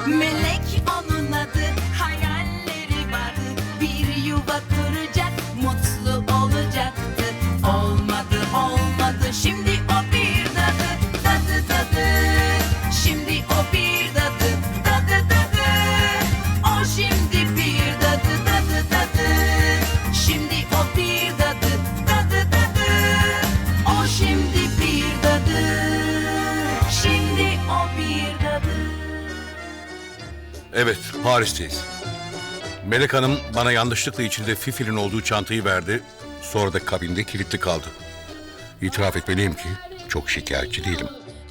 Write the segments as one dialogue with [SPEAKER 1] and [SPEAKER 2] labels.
[SPEAKER 1] Melek onun adı, hayalleri vardı. Bir yuva kuracak, mutlu olacaktı. Olmadı, olmadı, şimdi o bir dadı. Dadı dadı, şimdi o bir dadı. Dadı dadı, o şimdi bir dadı. Dadı dadı, şimdi o bir dadı. Dadı dadı, o şimdi bir dadı. Şimdi o bir dadı.
[SPEAKER 2] Evet, Paris'teyiz. Melek Hanım bana yanlışlıkla içinde Fifi'nin olduğu çantayı verdi. Sonra da kabinde kilitli kaldı. İtiraf etmeliyim ki çok şikayetçi değilim.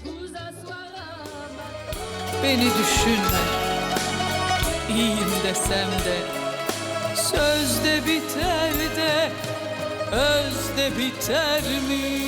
[SPEAKER 3] Beni düşünme, iyiyim desem de, sözde biter de, özde biter mi?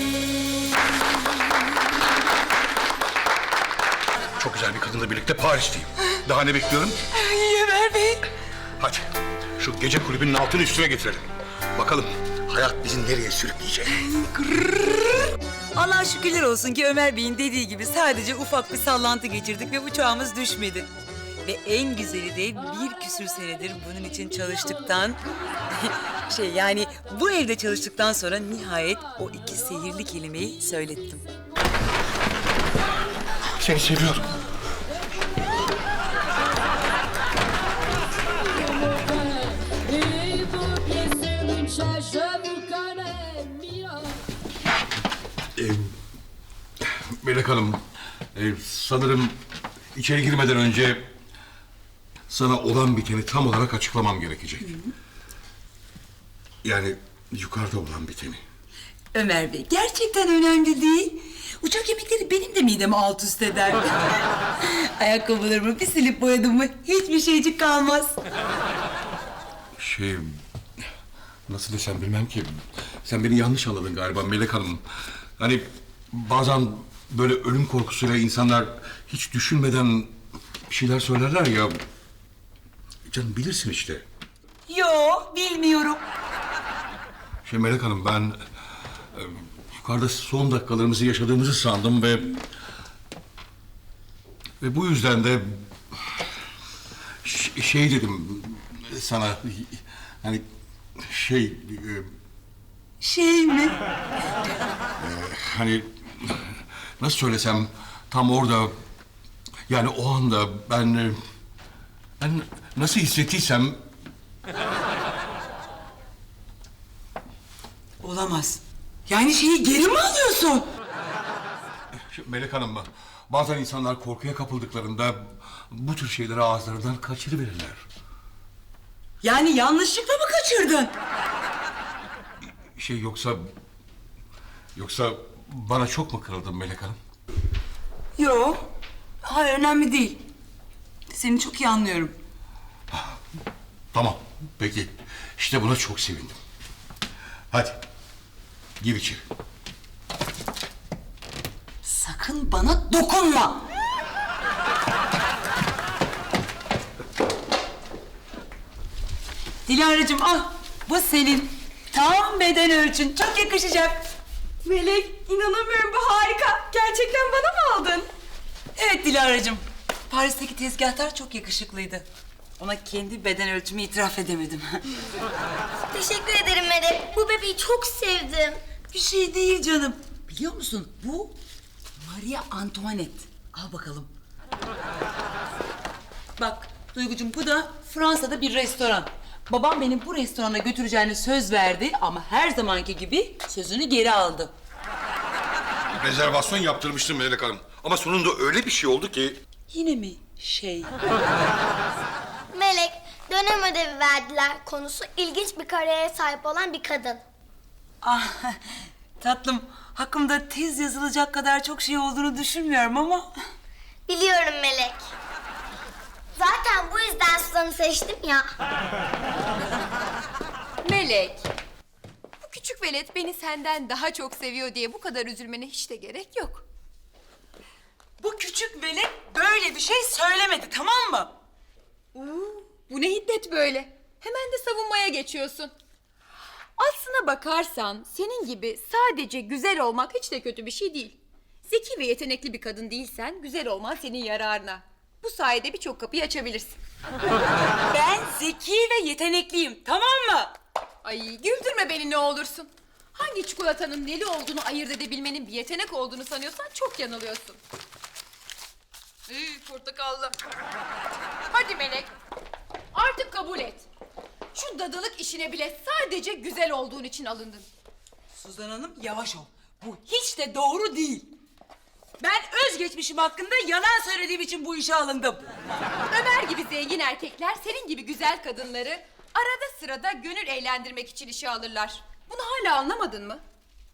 [SPEAKER 2] Çok güzel bir kadınla birlikte Paris'teyim. Daha ne bekliyorum?
[SPEAKER 3] Ömer Bey.
[SPEAKER 2] Hadi şu gece kulübünün altını üstüne getirelim. Bakalım hayat bizi nereye sürükleyecek?
[SPEAKER 4] Allah'a şükürler olsun ki Ömer Bey'in dediği gibi sadece ufak bir sallantı geçirdik ve uçağımız düşmedi. Ve en güzeli de bir küsür senedir bunun için çalıştıktan... yani bu evde çalıştıktan sonra nihayet o iki sihirli kelimeyi söylettim.
[SPEAKER 2] Seni seviyorum. Melek Hanım, sanırım içeri girmeden önce sana olan biteni tam olarak açıklamam gerekecek. Yani yukarıda olan biteni.
[SPEAKER 4] Ömer Bey gerçekten önemli değil. Uçak yemekleri benim de midemi alt üst eder. Ayakkabılarımı bir silip boyadım mı hiçbir şeycik kalmaz.
[SPEAKER 2] Nasıl desem bilmem ki. Sen beni yanlış anladın galiba Melek Hanım. Hani bazen böyle ölüm korkusuyla insanlar hiç düşünmeden bir şeyler söylerler ya. Canım bilirsin işte.
[SPEAKER 4] Yo, bilmiyorum.
[SPEAKER 2] Melek Hanım ben yukarıda son dakikalarımızı yaşadığımızı sandım ve bu yüzden de şey dedim sana hani
[SPEAKER 4] Şey mi?
[SPEAKER 2] hani nasıl söylesem tam orada yani o anda ben nasıl hissettiysem
[SPEAKER 4] Olamaz. Yani şeyi geri mi alıyorsun?
[SPEAKER 2] Melek Hanım bazen insanlar korkuya kapıldıklarında bu tür şeyleri ağızlarından kaçırıverirler.
[SPEAKER 4] Yani yanlışlıkla mı kaçırdın?
[SPEAKER 2] Yoksa bana çok mu kırıldın Melek Hanım?
[SPEAKER 4] Yo, hayır önemli değil. Seni çok iyi anlıyorum.
[SPEAKER 2] Tamam, peki. İşte buna çok sevindim. Hadi, gir içeri.
[SPEAKER 4] Sakın bana dokunma. Dilara'cığım al, bu senin. Tam beden ölçün, çok yakışacak.
[SPEAKER 5] Melek, inanamıyorum, bu harika. Gerçekten bana mı aldın?
[SPEAKER 4] Evet Dilara'cığım, Paris'teki tezgahtar çok yakışıklıydı. Ona kendi beden ölçümü itiraf edemedim.
[SPEAKER 6] Teşekkür ederim Melek. Bu bebeği çok sevdim.
[SPEAKER 4] Bir şey değil canım. Biliyor musun, bu Maria Antoinette. Al bakalım. Bak Duygucuğum, bu da Fransa'da bir restoran. Babam beni bu restorana götüreceğine söz verdi ama her zamanki gibi sözünü geri aldı.
[SPEAKER 2] Rezervasyon yaptırmıştım Melek Hanım. Ama sonunda öyle bir şey oldu ki...
[SPEAKER 4] Yine mi şey?
[SPEAKER 6] Melek, dönem ödevi verdiler. Konusu ilginç bir kariyere sahip olan bir kadın.
[SPEAKER 4] Ah tatlım, hakkımda tez yazılacak kadar çok şey olduğunu düşünmüyorum ama...
[SPEAKER 6] Biliyorum Melek. Zaten bu yüzden Suzan'ı seçtim ya.
[SPEAKER 5] Melek, bu küçük velet beni senden daha çok seviyor diye bu kadar üzülmene hiç de gerek yok.
[SPEAKER 4] Bu küçük melek böyle bir şey söylemedi, tamam mı?
[SPEAKER 5] Bu ne hiddet böyle? Hemen de savunmaya geçiyorsun. Aslına bakarsan senin gibi sadece güzel olmak hiç de kötü bir şey değil. Zeki ve yetenekli bir kadın değilsen güzel olman senin yararına. Bu sayede birçok kapıyı açabilirsin.
[SPEAKER 4] Ben zeki ve yetenekliyim, tamam mı?
[SPEAKER 5] Ay güldürme beni ne olursun. Hangi çikolatanın neli olduğunu ayırt edebilmenin bir yetenek olduğunu sanıyorsan çok yanılıyorsun. Portakallı. Hadi Melek. Artık kabul et. Şu dadılık işine bile sadece güzel olduğun için alındın.
[SPEAKER 4] Suzan Hanım yavaş ol. Bu hiç de doğru değil. Ben özgeçmişim hakkında yalan söylediğim için bu işe alındım.
[SPEAKER 5] Ömer gibi zengin erkekler senin gibi güzel kadınları arada sırada gönül eğlendirmek için işe alırlar. Bunu hala anlamadın mı?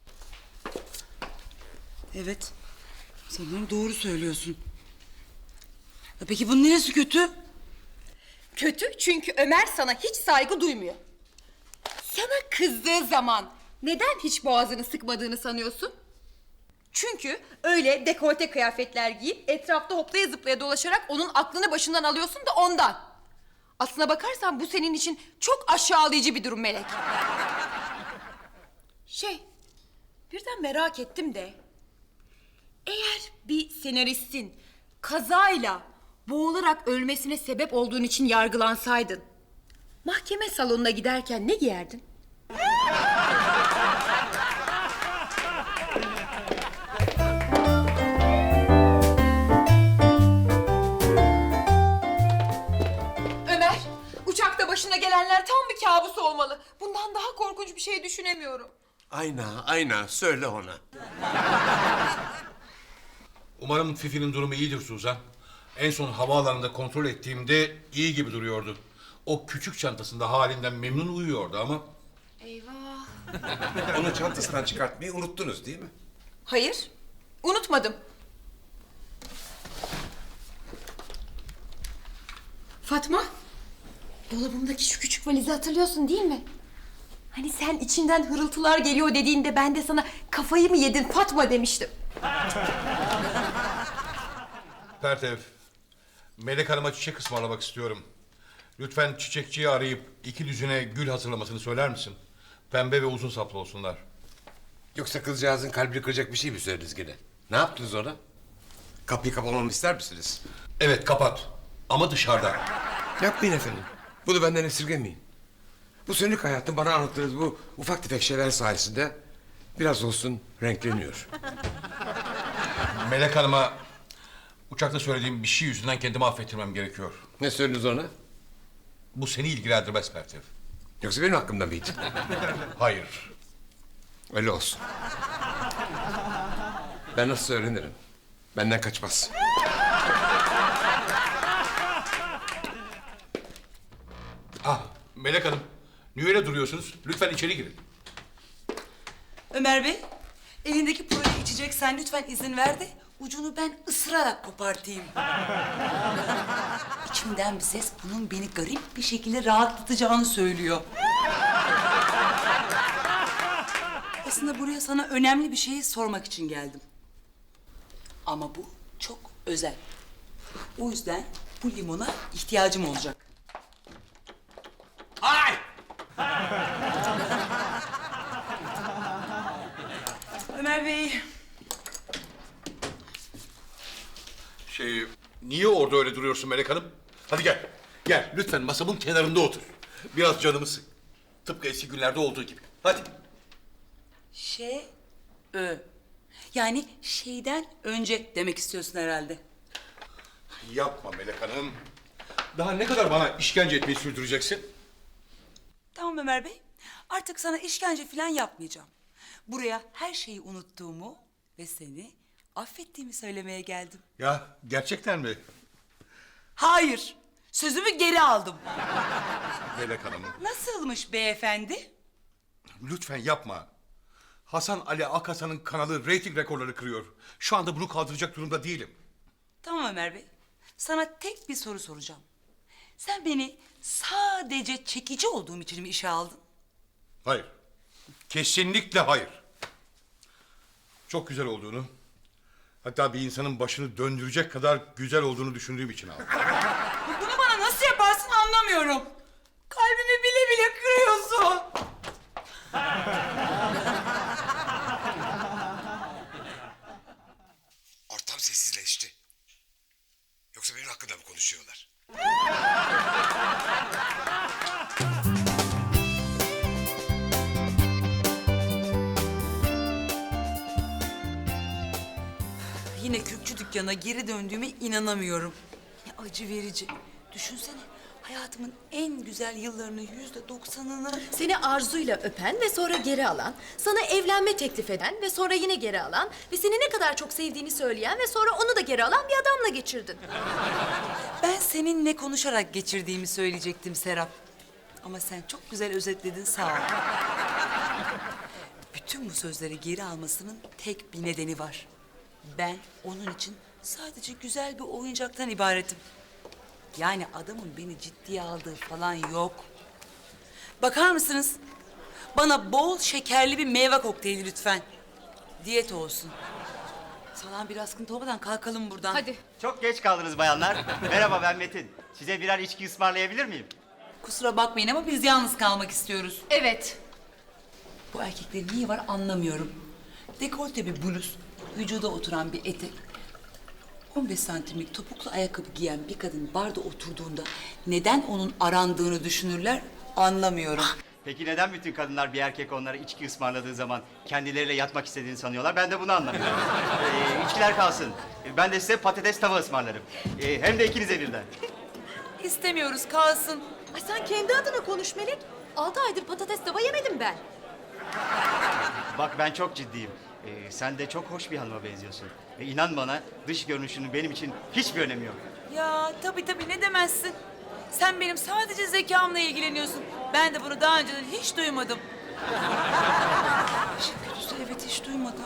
[SPEAKER 4] Evet, sanırım doğru söylüyorsun. Ya peki bunun neresi kötü?
[SPEAKER 5] Kötü çünkü Ömer sana hiç saygı duymuyor. Sana kızdığı zaman neden hiç boğazını sıkmadığını sanıyorsun? Çünkü öyle dekolte kıyafetler giyip etrafta hoplaya zıplaya dolaşarak onun aklını başından alıyorsun da ondan. Aslına bakarsan bu senin için çok aşağılayıcı bir durum Melek. Birden merak ettim de. Eğer bir senaristin kazayla boğularak ölmesine sebep olduğun için yargılansaydın, mahkeme salonuna giderken ne giyerdin? Ömer, uçakta başına gelenler tam bir kabus olmalı. Bundan daha korkunç bir şey düşünemiyorum.
[SPEAKER 7] Ayna, söyle ona.
[SPEAKER 2] Umarım Fifi'nin durumu iyidir Suzan. En son havaalanında kontrol ettiğimde iyi gibi duruyordu. O küçük çantasında halinden memnun uyuyordu ama...
[SPEAKER 5] Eyvah.
[SPEAKER 7] Onu çantasından çıkartmayı unuttunuz değil mi?
[SPEAKER 5] Hayır, unutmadım. Fatma, dolabımdaki şu küçük valizi hatırlıyorsun değil mi? Hani sen içinden hırıltılar geliyor dediğinde ben de sana kafayı mı yedin Fatma demiştim.
[SPEAKER 2] Pertev, Melek Hanım'a çiçek ısmarlamak istiyorum. Lütfen çiçekçiyi arayıp 2 düzine gül hazırlamasını söyler misin? Pembe ve uzun saplı olsunlar.
[SPEAKER 7] Yoksa kızcağızın kalbini kıracak bir şey mi söylediniz gene? Ne yaptınız ona? Kapıyı kapamamı ister misiniz?
[SPEAKER 2] Evet, kapat. Ama dışarıda.
[SPEAKER 7] Yapmayın efendim. Bunu benden esirgemeyin. Bu sönük hayatın bana anlattığınız bu ufak tefek şeyler sayesinde biraz olsun renkleniyor.
[SPEAKER 2] Melek Hanım'a uçakta söylediğim bir şey yüzünden kendimi affettirmem gerekiyor.
[SPEAKER 7] Ne söylediniz ona?
[SPEAKER 2] Bu seni ilgilendirmez Pertev.
[SPEAKER 7] Yoksa benim hakkımda mıydı?
[SPEAKER 2] Hayır.
[SPEAKER 7] Öyle olsun. Ben nasıl öğrenirim? Benden kaçmaz.
[SPEAKER 2] Ah, Melek Hanım. Niye öyle duruyorsunuz? Lütfen içeri girin.
[SPEAKER 4] Ömer Bey, elindeki proje içeceksen lütfen izin ver de ucunu ben ısırarak kopartayım. İçimden bir ses bunun beni garip bir şekilde rahatlatacağını söylüyor. Aslında buraya sana önemli bir şeyi sormak için geldim. Ama bu çok özel. O yüzden bu limona ihtiyacım olacak.
[SPEAKER 2] Ay!
[SPEAKER 4] Ömer Bey,
[SPEAKER 2] Niye orada öyle duruyorsun Melek Hanım? Hadi gel. Gel, lütfen masamın kenarında otur. Biraz canımı sık. Tıpkı eski günlerde olduğu gibi. Hadi.
[SPEAKER 4] yani şeyden önce demek istiyorsun herhalde.
[SPEAKER 2] Yapma Melek Hanım. Daha ne kadar bana işkence etmeyi sürdüreceksin?
[SPEAKER 4] Tamam Ömer Bey, artık sana işkence falan yapmayacağım. Buraya her şeyi unuttuğumu ve seni affettiğimi söylemeye geldim.
[SPEAKER 2] Ya, gerçekten mi?
[SPEAKER 4] Hayır, sözümü geri aldım.
[SPEAKER 2] Melek Hanım,
[SPEAKER 4] Nasılmış beyefendi?
[SPEAKER 2] lütfen yapma. Hasan Ali Akhasan'ın kanalı reyting rekorları kırıyor. Şu anda bunu kaldıracak durumda değilim.
[SPEAKER 4] Tamam Ömer Bey, sana tek bir soru soracağım. Sen beni sadece çekici olduğum için mi işe aldın?
[SPEAKER 2] Hayır. Kesinlikle hayır. Çok güzel olduğunu, hatta bir insanın başını döndürecek kadar güzel olduğunu düşündüğüm için aldım.
[SPEAKER 4] Bunu bana nasıl yaparsın anlamıyorum. Kalbimi bile bile kırıyorsun.
[SPEAKER 7] Ortam sessizleşti. Yoksa benim hakkında mı konuşuyorlar?
[SPEAKER 4] Yine kürkçü dükkana geri döndüğüme inanamıyorum. Ne acı verici. Düşünsene, hayatımın en güzel yıllarının %90'ını...
[SPEAKER 8] Seni arzuyla öpen ve sonra geri alan, sana evlenme teklif eden ve sonra yine geri alan ve seni ne kadar çok sevdiğini söyleyen ve sonra onu da geri alan bir adamla geçirdin.
[SPEAKER 4] Ben seninle konuşarak geçirdiğimi söyleyecektim Serap. Ama sen çok güzel özetledin, sağ ol. Bütün bu sözleri geri almasının tek bir nedeni var. Ben onun için sadece güzel bir oyuncaktan ibaretim. Yani adamın beni ciddiye aldığı falan yok. Bakar mısınız? Bana bol şekerli bir meyve kokteyli lütfen. Diyet olsun. Salam bir askıntı olmadan kalkalım buradan.
[SPEAKER 8] Hadi.
[SPEAKER 9] Çok geç kaldınız bayanlar. Merhaba ben Metin. Size birer içki ısmarlayabilir miyim?
[SPEAKER 4] Kusura bakmayın ama biz yalnız kalmak istiyoruz.
[SPEAKER 8] Evet.
[SPEAKER 4] Bu erkeklerin niye var anlamıyorum. Dekolte bir bluz, vücuda oturan bir etek, 15 santimlik topuklu ayakkabı giyen bir kadın barda oturduğunda neden onun arandığını düşünürler anlamıyorum.
[SPEAKER 9] Peki neden bütün kadınlar bir erkek onlara içki ısmarladığı zaman kendileriyle yatmak istediğini sanıyorlar? Ben de bunu anlamıyorum. İçkiler kalsın. Ben de size patates tava ısmarlarım. Hem de ikinize birden.
[SPEAKER 4] İstemiyoruz, kalsın.
[SPEAKER 8] Ay sen kendi adına konuş Melek. 6 aydır patates tava yemedim ben.
[SPEAKER 9] Bak ben çok ciddiyim. Sen de çok hoş bir hanıma benziyorsun. İnan bana dış görünüşünün benim için hiçbir önemi yok.
[SPEAKER 4] Ya tabii ne demezsin. Sen benim sadece zekamla ilgileniyorsun. Ben de bunu daha önceden hiç duymadım. İşin kötüsü evet hiç duymadım.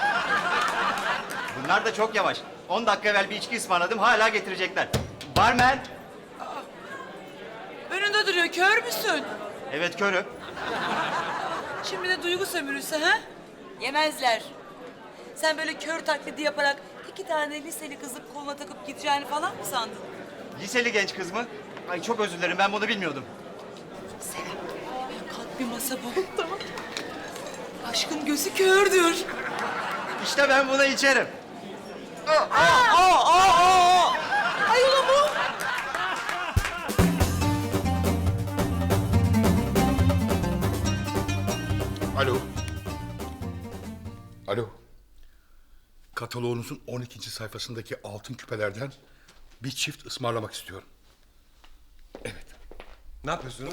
[SPEAKER 9] Bunlar da çok yavaş. 10 dakika evvel bir içki ısmarladım hala getirecekler. Barmen.
[SPEAKER 4] Önünde duruyor, kör müsün?
[SPEAKER 9] Evet körüm.
[SPEAKER 4] Şimdi de duygu sömürüsü ha? Yemezler. Sen böyle kör taklidi yaparak 2 tane liseli kızı koluna takıp gideceğini falan mı sandın?
[SPEAKER 9] Liseli genç kız mı? Ay çok özür dilerim ben bunu bilmiyordum.
[SPEAKER 4] Kalk bir masa bul. Tamam. Aşkın gözü kördür.
[SPEAKER 9] İşte ben buna içerim.
[SPEAKER 4] Ayol mu?
[SPEAKER 2] Alo. Alo. Kataloğunuzun 12. sayfasındaki altın küpelerden bir çift ısmarlamak istiyorum. Evet.
[SPEAKER 7] Ne yapıyorsunuz?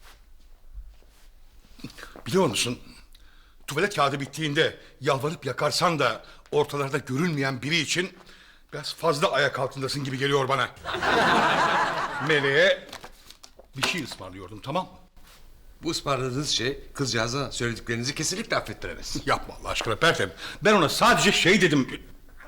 [SPEAKER 2] Biliyor musun? Tuvalet kağıdı bittiğinde yalvarıp yakarsan da ortalarda görünmeyen biri için biraz fazla ayak altındasın gibi geliyor bana. Meleğe bir şey ısmarlıyordum, tamam mı?
[SPEAKER 7] Bu ısmarladığınız şey kızcağıza söylediklerinizi kesinlikle affettiremez.
[SPEAKER 2] Yapma Allah aşkına Pertem. Ben ona sadece şey dedim.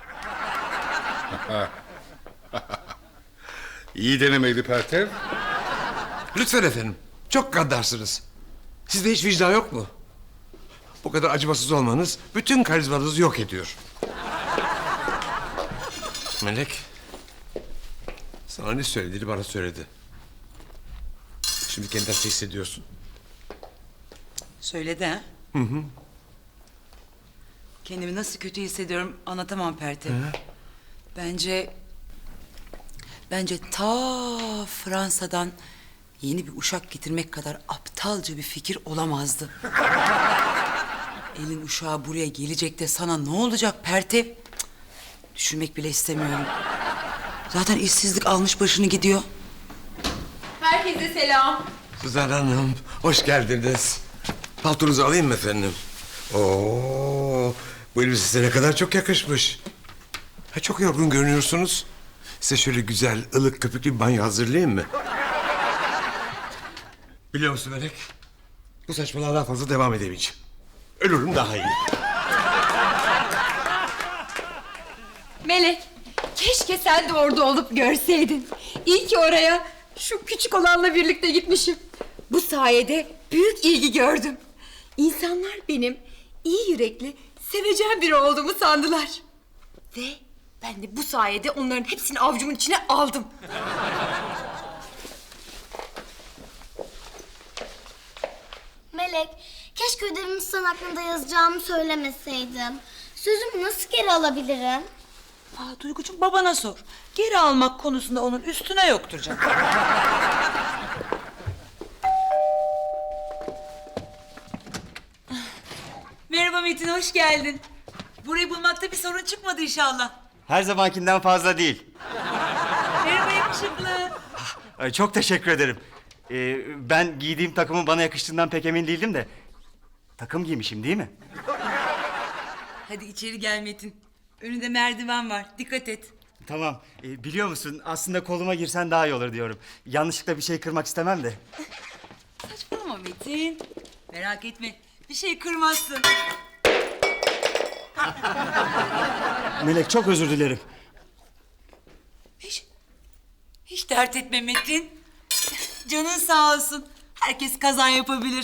[SPEAKER 2] İyi denemeydi Pertem.
[SPEAKER 7] Lütfen efendim. Çok gaddarsınız. Sizde hiç vicdan yok mu? Bu kadar acımasız olmanız bütün karizmanızı yok ediyor. Melek. Sana ne söylediğini bana söyledi. Şimdi kendini nasıl hissediyorsun?
[SPEAKER 4] Söyledi ha? Kendimi nasıl kötü hissediyorum anlatamam Pertev. Bence ta Fransa'dan yeni bir uşak getirmek kadar aptalca bir fikir olamazdı. Elin uşağı buraya gelecek de sana ne olacak Pertev? Cık, düşünmek bile istemiyorum. Zaten işsizlik almış başını gidiyor.
[SPEAKER 5] Herkese selam.
[SPEAKER 7] Suzan Hanım, hoş geldiniz. Paltonuzu alayım mı efendim? Oo, bu elbise size ne kadar çok yakışmış. Ha, çok yorgun görünüyorsunuz. Size şöyle güzel, ılık, köpüklü bir banyo hazırlayayım mı? Biliyor musun Melek? Bu saçmalığa daha fazla devam edemeyeceğim. Ölürüm daha iyi.
[SPEAKER 5] Melek, keşke sen de orada olup görseydin. İyi ki oraya şu küçük olanla birlikte gitmişim. Bu sayede büyük ilgi gördüm. İnsanlar benim iyi yürekli, sevecen biri olduğumu sandılar. Ve ben de bu sayede onların hepsini avucumun içine aldım.
[SPEAKER 6] Melek, keşke ödevimi son hakkında yazacağımı söylemeseydim. Sözümü nasıl geri alabilirim?
[SPEAKER 4] Duygucuğum babana sor. Geri almak konusunda onun üstüne yoktur canım. Merhaba Metin, hoş geldin. Burayı bulmakta bir sorun çıkmadı inşallah.
[SPEAKER 9] Her zamankinden fazla değil.
[SPEAKER 4] Merhaba yakışıklı.
[SPEAKER 9] Ay, çok teşekkür ederim. Ben giydiğim takımın bana yakıştığından pek emin değildim de. Takım giymişim değil mi?
[SPEAKER 4] Hadi içeri gel Metin. Önünde merdiven var, dikkat et.
[SPEAKER 9] Tamam. Biliyor musun aslında koluma girsen daha iyi olur diyorum. Yanlışlıkla bir şey kırmak istemem de.
[SPEAKER 4] Saçmalama Metin. Merak etme, bir şey kırmazsın.
[SPEAKER 9] Melek çok özür dilerim.
[SPEAKER 4] Hiç dert etme Metin. Canın sağ olsun. Herkes kaza yapabilir.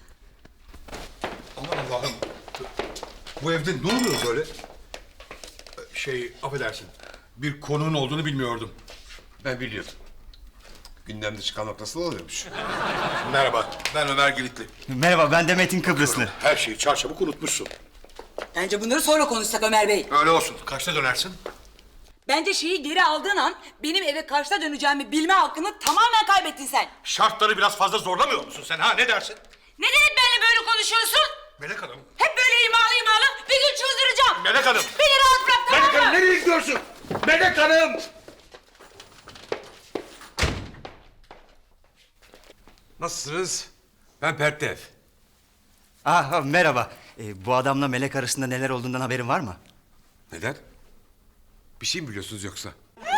[SPEAKER 2] Aman Allah'ım. Bu evde ne oluyor böyle? Affedersin. Bir konuğun olduğunu bilmiyordum.
[SPEAKER 7] Ben biliyordum. Gündemde çıkarmak nasıl oluyormuş?
[SPEAKER 2] Merhaba, ben Ömer Giritli.
[SPEAKER 9] Merhaba ben de Metin Kıbrıslı.
[SPEAKER 2] Her şeyi çarçabuk unutmuşsun.
[SPEAKER 4] Bence bunları sonra konuşsak Ömer Bey.
[SPEAKER 2] Öyle olsun. Kaçta dönersin?
[SPEAKER 4] Bence şeyi geri aldığın an benim eve kaçta döneceğimi bilme hakkını tamamen kaybettin sen.
[SPEAKER 2] Şartları biraz fazla zorlamıyor musun sen ha? Ne dersin?
[SPEAKER 4] Neden hep benimle böyle konuşuyorsun?
[SPEAKER 2] Melek Hanım.
[SPEAKER 4] Hep böyle imalı bir gün çıldıracağım.
[SPEAKER 2] Melek Hanım.
[SPEAKER 4] Beni rahat bırak tamam
[SPEAKER 2] Melek
[SPEAKER 4] mı?
[SPEAKER 2] Hanım nereye gidiyorsun? Melek Hanım.
[SPEAKER 7] Nasılsınız? Ben Pertev.
[SPEAKER 9] Merhaba. Bu adamla Melek arasında neler olduğundan haberin var mı?
[SPEAKER 7] Neden? Bir şey mi biliyorsunuz yoksa?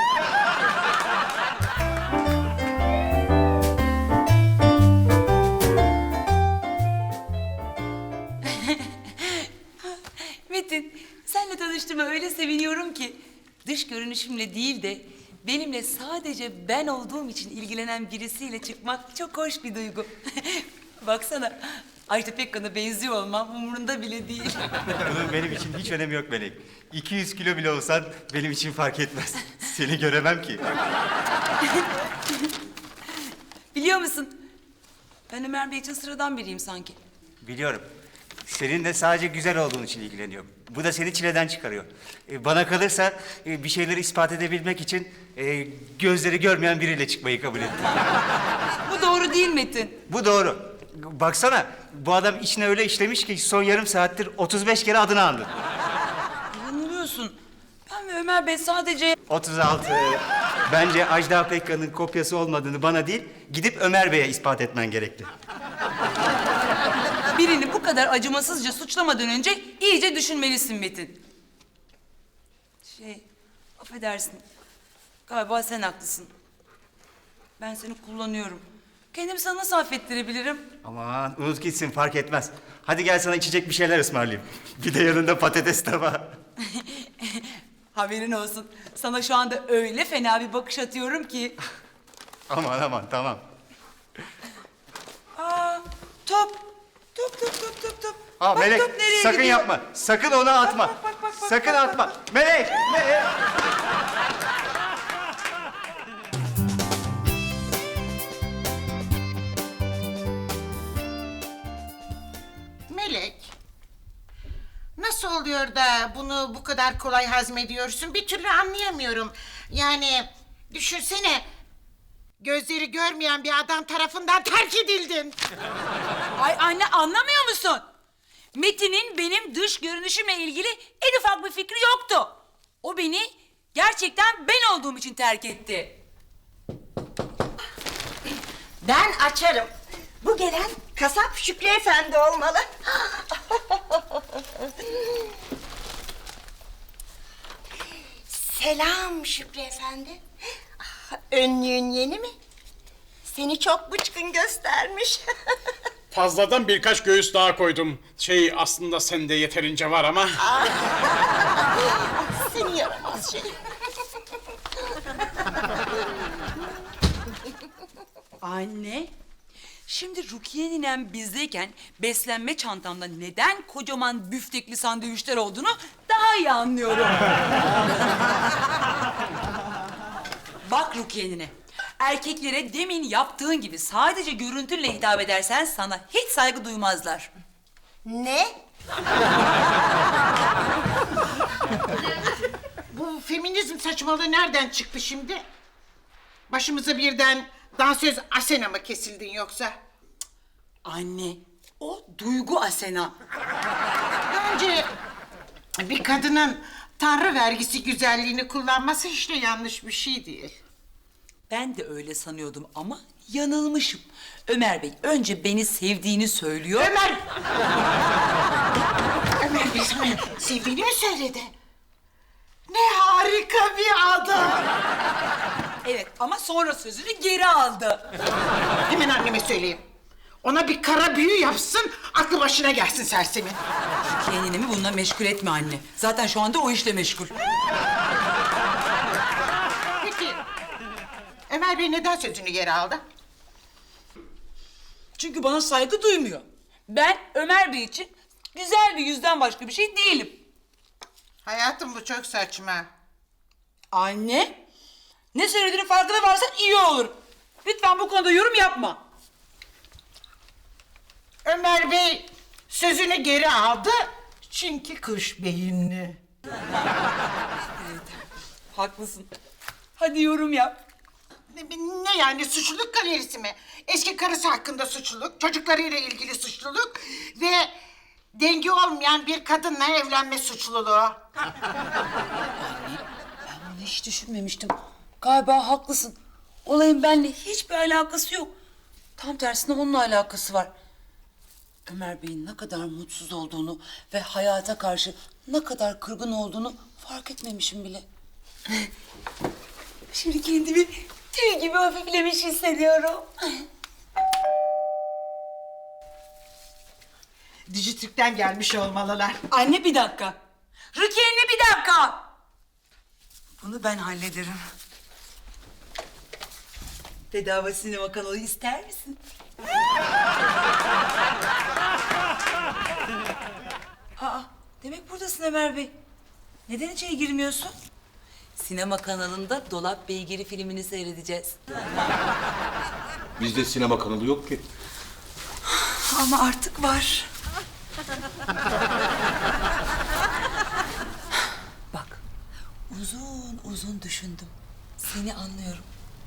[SPEAKER 4] Metin, senle tanıştığıma öyle seviniyorum ki. Dış görünüşümle değil de benimle sadece ben olduğum için ilgilenen birisiyle çıkmak çok hoş bir duygu. Baksana, Ajda Pekkan'a benziyor olmam umurunda bile değil.
[SPEAKER 9] Bunun benim için hiç önemi yok Melek. 200 kilo bile olsan benim için fark etmez. Seni göremem ki.
[SPEAKER 4] Biliyor musun? Ben Ömer Bey için sıradan biriyim sanki.
[SPEAKER 9] Biliyorum. Senin de sadece güzel olduğun için ilgileniyor. Bu da seni çileden çıkarıyor. Bana kalırsa bir şeyleri ispat edebilmek için gözleri görmeyen biriyle çıkmayı kabul ettim.
[SPEAKER 4] Bu doğru değil Metin.
[SPEAKER 9] Bu doğru. Baksana bu adam içine öyle işlemiş ki son yarım saattir 35 kere adını andı.
[SPEAKER 4] Yanılıyorsun. Ben ve Ömer Bey sadece...
[SPEAKER 9] 36. Bence Ajda Pekkan'ın kopyası olmadığını bana değil, gidip Ömer Bey'e ispat etmen gerekti.
[SPEAKER 4] Birini bu kadar acımasızca suçlamadan önce iyice düşünmelisin Metin. Affedersin. Galiba sen haklısın. Ben seni kullanıyorum. Kendimi sana nasıl affettirebilirim?
[SPEAKER 9] Aman unut gitsin fark etmez. Hadi gel sana içecek bir şeyler ısmarlayayım. Bir de yanında patates tava.
[SPEAKER 4] Haberin olsun. Sana şu anda öyle fena bir bakış atıyorum ki.
[SPEAKER 9] Aman tamam.
[SPEAKER 4] Top. Bak,
[SPEAKER 9] Melek
[SPEAKER 4] top nereye
[SPEAKER 9] sakın
[SPEAKER 4] gidiyor?
[SPEAKER 9] yapma. Sakın onu atma.
[SPEAKER 4] Bak,
[SPEAKER 9] Sakın atma. Melek.
[SPEAKER 10] Melek, nasıl oluyor da bunu bu kadar kolay hazmediyorsun? Bir türlü anlayamıyorum. Yani düşünsene, gözleri görmeyen bir adam tarafından terk edildin.
[SPEAKER 4] Ay anne anlamıyor musun? Metin'in benim dış görünüşümle ilgili en ufak bir fikri yoktu. O beni gerçekten ben olduğum için terk etti.
[SPEAKER 10] Ben açarım. Bu gelen kasap Şükrü Efendi olmalı. Selam Şükrü Efendi. Önlüğün yeni mi? Seni çok bıçkın göstermiş.
[SPEAKER 11] Fazladan birkaç göğüs daha koydum. Aslında sende yeterince var ama.
[SPEAKER 10] Seni yaramaz şey.
[SPEAKER 4] Anne, şimdi Rukiye ninem bizdeyken beslenme çantamda neden kocaman büftekli sandviçler olduğunu daha iyi anlıyorum. Bak Rukiye nine, erkeklere demin yaptığın gibi sadece görüntünle hitap edersen sana hiç saygı duymazlar.
[SPEAKER 10] Ne? Bu feminizm saçmalığı nereden çıktı şimdi? Başımıza birden dansöz Asena mı kesildin yoksa?
[SPEAKER 4] Anne, o Duygu Asena.
[SPEAKER 10] Bence bir kadının tanrı vergisi güzelliğini kullanması hiç de yanlış bir şey değil.
[SPEAKER 4] Ben de öyle sanıyordum ama yanılmışım. Ömer Bey önce beni sevdiğini söylüyor.
[SPEAKER 10] Ömer! Ömer Bey sana sevdiğini mi söyledi? Ne harika bir adam!
[SPEAKER 4] Evet ama sonra sözünü geri aldı.
[SPEAKER 10] Hemen anneme söyleyeyim. Ona bir kara büyü yapsın, aklı başına gelsin sersemin.
[SPEAKER 4] Kendini mi bununla meşgul etme anne. Zaten şu anda o işle meşgul.
[SPEAKER 10] Peki, Ömer Bey neden sözünü geri aldı?
[SPEAKER 4] Çünkü bana saygı duymuyor. Ben Ömer Bey için güzel bir yüzden başka bir şey değilim.
[SPEAKER 10] Hayatım bu çok saçma.
[SPEAKER 4] Anne, ne söylediğinin farkına varsan iyi olur. Lütfen bu konuda yorum yapma.
[SPEAKER 10] Ömer Bey sözünü geri aldı çünkü kuş beyinli.
[SPEAKER 4] Haklısın. Hadi yorum yap.
[SPEAKER 10] Ne yani suçluluk galerisi mi? Eski karısı hakkında suçluluk, çocuklarıyla ilgili suçluluk ve dengi olmayan bir kadınla evlenme suçluluğu.
[SPEAKER 4] Bunu hiç düşünmemiştim. Galiba haklısın. Olayın benimle hiçbir alakası yok. Tam tersine onunla alakası var. Ömer Bey'in ne kadar mutsuz olduğunu ve hayata karşı ne kadar kırgın olduğunu fark etmemişim bile. Şimdi kendimi tüy gibi hafiflemiş hissediyorum.
[SPEAKER 10] Dijitürk'ten gelmiş olmalılar.
[SPEAKER 4] Anne bir dakika. Rukiye anne bir dakika. Bunu ben hallederim. Bedava sinema kanalı ister misin? Aa, demek buradasın Ömer Bey. Neden içeri girmiyorsun? Sinema kanalında Dolap Beygiri filmini seyredeceğiz.
[SPEAKER 2] Bizde sinema kanalı yok ki.
[SPEAKER 4] Ama artık var. Bak, uzun uzun düşündüm. Seni anlıyorum.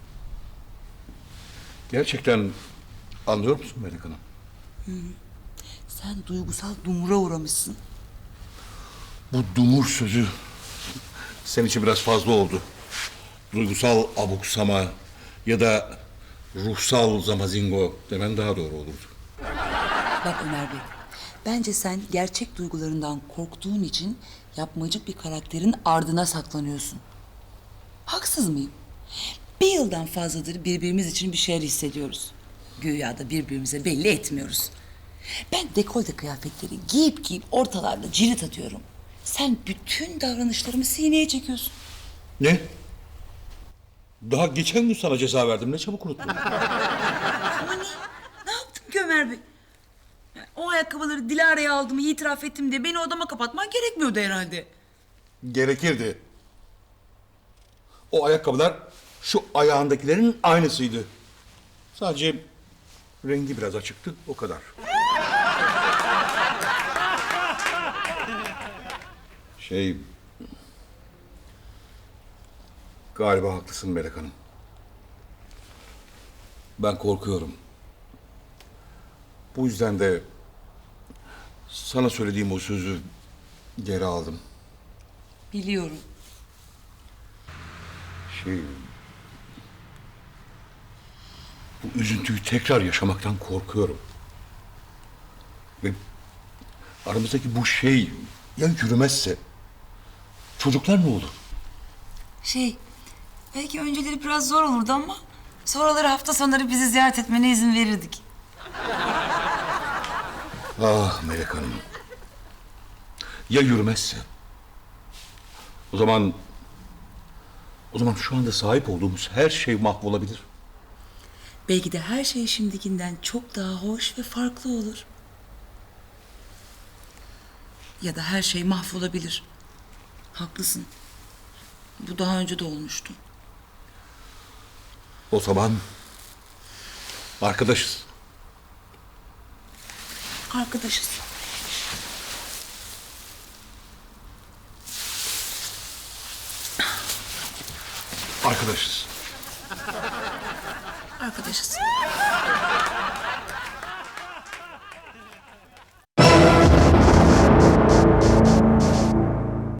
[SPEAKER 2] Gerçekten anlıyor musun Melek Hanım?
[SPEAKER 4] Sen duygusal dumura uğramışsın.
[SPEAKER 2] Bu dumur sözü senin için biraz fazla oldu. Duygusal abuksama ya da ruhsal zamazingo demen daha doğru olurdu.
[SPEAKER 4] Bak Ömer Bey, bence sen gerçek duygularından korktuğun için yapmacık bir karakterin ardına saklanıyorsun. Haksız mıyım? Bir yıldan fazladır birbirimiz için bir şeyler hissediyoruz. Güya da birbirimize belli etmiyoruz. Ben dekolte kıyafetleri giyip ortalarda cirit atıyorum. Sen bütün davranışlarımı sineye çekiyorsun.
[SPEAKER 2] Ne? Daha geçen gün sana ceza verdim. Ne çabuk unuttun.
[SPEAKER 4] Ama ne yaptım ki Ömer Bey? Yani o ayakkabıları Dilara'ya aldığımı itiraf ettim diye beni odama kapatman gerekmiyordu herhalde.
[SPEAKER 2] Gerekirdi. O ayakkabılar şu ayağındakilerin aynısıydı. Sadece rengi biraz açıktı, o kadar. Galiba haklısın Melek Hanım. Ben korkuyorum. Bu yüzden de sana söylediğim o sözü geri aldım.
[SPEAKER 4] Biliyorum.
[SPEAKER 2] Bu üzüntüyü tekrar yaşamaktan korkuyorum. Ve aramızdaki bu şey ya yürümezse çocuklar ne olur?
[SPEAKER 4] Belki önceleri biraz zor olurdu ama sonraları hafta sonları bizi ziyaret etmene izin verirdik.
[SPEAKER 2] Ah Melek Hanım. Ya yürümezse? O zaman şu anda sahip olduğumuz her şey mahvolabilir.
[SPEAKER 4] Belki de her şey şimdikinden çok daha hoş ve farklı olur. Ya da her şey mahvolabilir. Haklısın. Bu daha önce de olmuştu.
[SPEAKER 2] O zaman arkadaşız.
[SPEAKER 4] Arkadaşız.
[SPEAKER 2] Arkadaşız.
[SPEAKER 3] Arkadaşız.